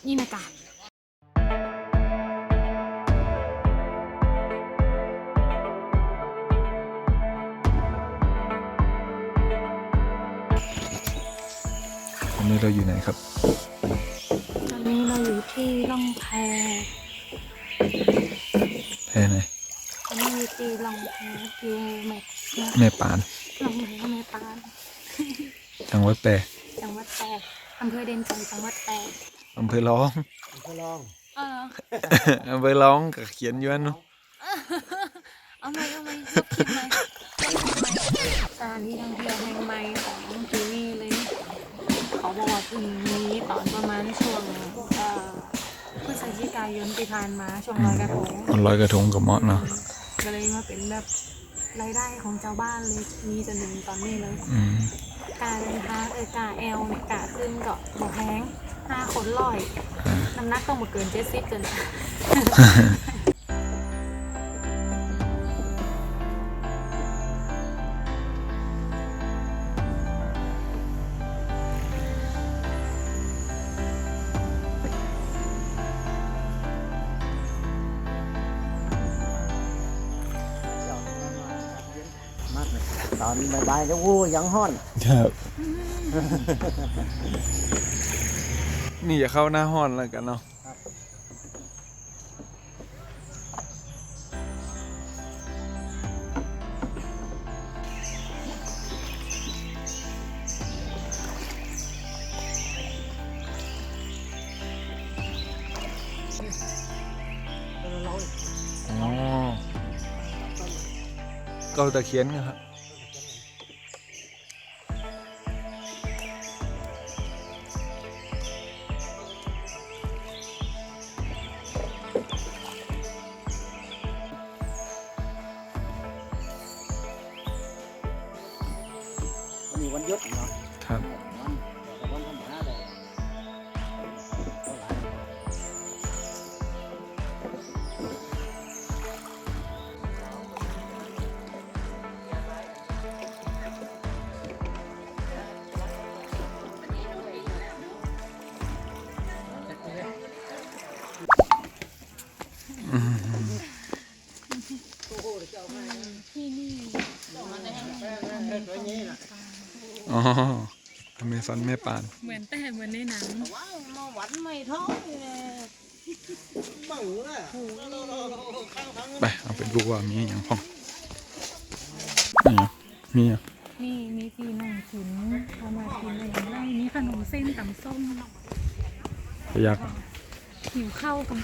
นี่นะกะตอนนี้เราอยู่ไหนครับตอนนี้เราอยู่ที่ล่องแพแพไหนตอนนี้อยู่ที่ล่องแพอยู่แม่ปานล่องแพแม่ปานจังหวัดแปรจังหวัดแพร่อำเภอเด่นจังจังหวัดแพร่อำเภอร้องเอออำเภอร้องกับเขียนอยู่นั่นเนาะเอาไหมลบคลิปไหมสถานที่ท่องเที่ยวแห่งใหม่ของที่นี่เลยเขาบอกว่าเพิ่งมีตอนประมาณช่วงพฤศจิกายนที่ผ่านมาช่วงลอยกระทงลอยกระทงกับเมาะเนาะก็เลยมาเป็นแบบรายได้ของชาวบ้านเลยมีจนถึงตอนนี้เลยกาเดินทางกาแอลเนี่ยกาขึ้นก็บอกแพง5 คนร้อยน้ำหนักต้องหมดเกิน70จนตอนบ่ายๆจะวู้ยังห้อนครับนี่อย่าเข้าหน้าห้อนแล้วกันเนาะอ๋อเกาตะเคียนครับมีวันหยุดเนาะครับวันธรรมดาเลยที่นี่อ๋ออเมซอนแม่ปานเหมือนในหนังว้าวมาหวันไม่ท้องเลยบังเลยไปเอาไปดูว่ามีอย่างพ่องนี่อ่ะมีที่นั่งกินเอามากินอะไรอย่างไรมีขนมเส้นตำส้มพยักหิวข้าวกัน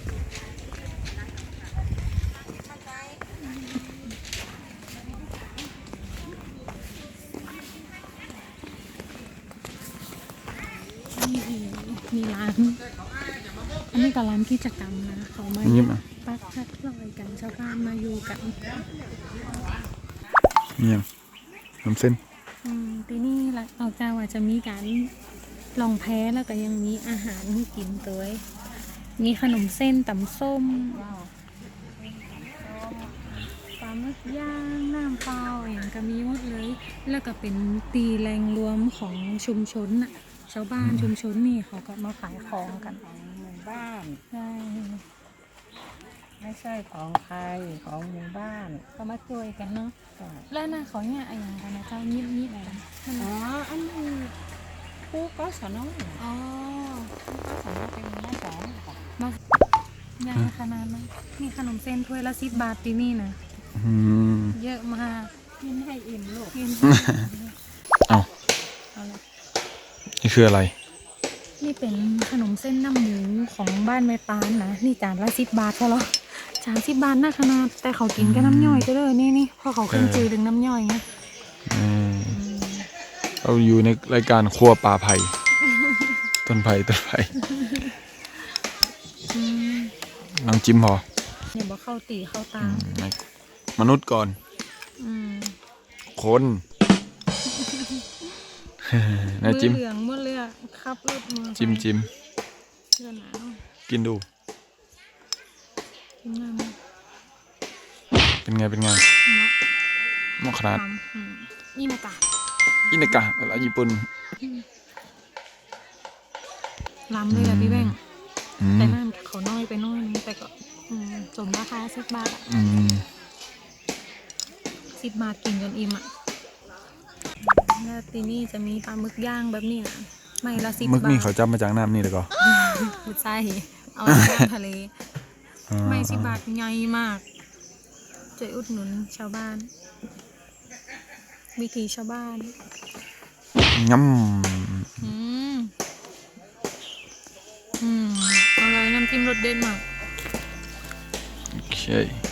มีร้านอันนี้ก็ร้านกิจกรรมนะเขามาปักชัดลอยกันชาวบ้านมาอยู่กันเนี่ยน้ำเส้นทีนี่เราจะว่าจะมีการลองแพ้แล้วก็ยังมีอาหารให้กินตัวมีขนมเส้นตำส้มปลาหมึกย่างน้ำเปล่าอย่างก็มีหมดเลยแล้วก็เป็นตีแรงรวมของชุมชนน่ะชาวบ้านชุมชนนี่เขาก็มาขายของกันหมู่บ้านใช่ไม่ใช่ของใครของหมู่บ้านก็มาช่วยกันเนาะแล้วน่าเขาเนี่ยอะไรอย่างกันนะเจ้านิดอะไรอ๋ออันนี้ผู้ก็สอนอ๋อผู้ก็สอนเป็นแม่สอนมาใหญ่ขนาดนั้นนี่ขนมเส้นถ้วยละ10 บาทที่นี่นะเยอะมากกินให้อิ่มลูกกินเอานี่คืออะไรนี่เป็นขนมเส้นน้ำหมูของบ้านแม่ปานนะนี่จานละ10 บาทใช่หรอ30 บาทน่าขนาดแต่เขากินก็น้ำย่อยก็เลยนี่เพราะเขาขึ้นจืดถึงน้ำย่อยไงเราอยู่ในรายการครัวป่าไผ่ต้นไผ่น้องจิ้มพออย่าบอกเข้าตีเข้าตามมนุษย์ก่อนคนนะจิ้มเหลืองหมดเลยอ่ะครับรถมือจิ้มกินดูเป็นไงเหมาะขนาดอินากะเวลาญี่ปุ่นล้ำเลยอ่ะพี่แบงแต่นั่นเขาน้อยไปน้อยนึงแต่ก็สมราคา10 บาทอะอืม 10 บาทกินจนอิ่มอ่ะแล้วทีนี่จะมีปลาหมึกย่างแบบนี้นะไม่ละ10 มึกบานี่ทเขาจับมาจากน้ำนี่เลยก็ไม่ใช่เอามาย่างทะเล ไม่10 บาทใหญ่มากช่วยอุดหนุนชาวบ้าน วิถีชาวบ้านงำอืมอร่อยน้ำจิ้มรสเด็ดมากโอเค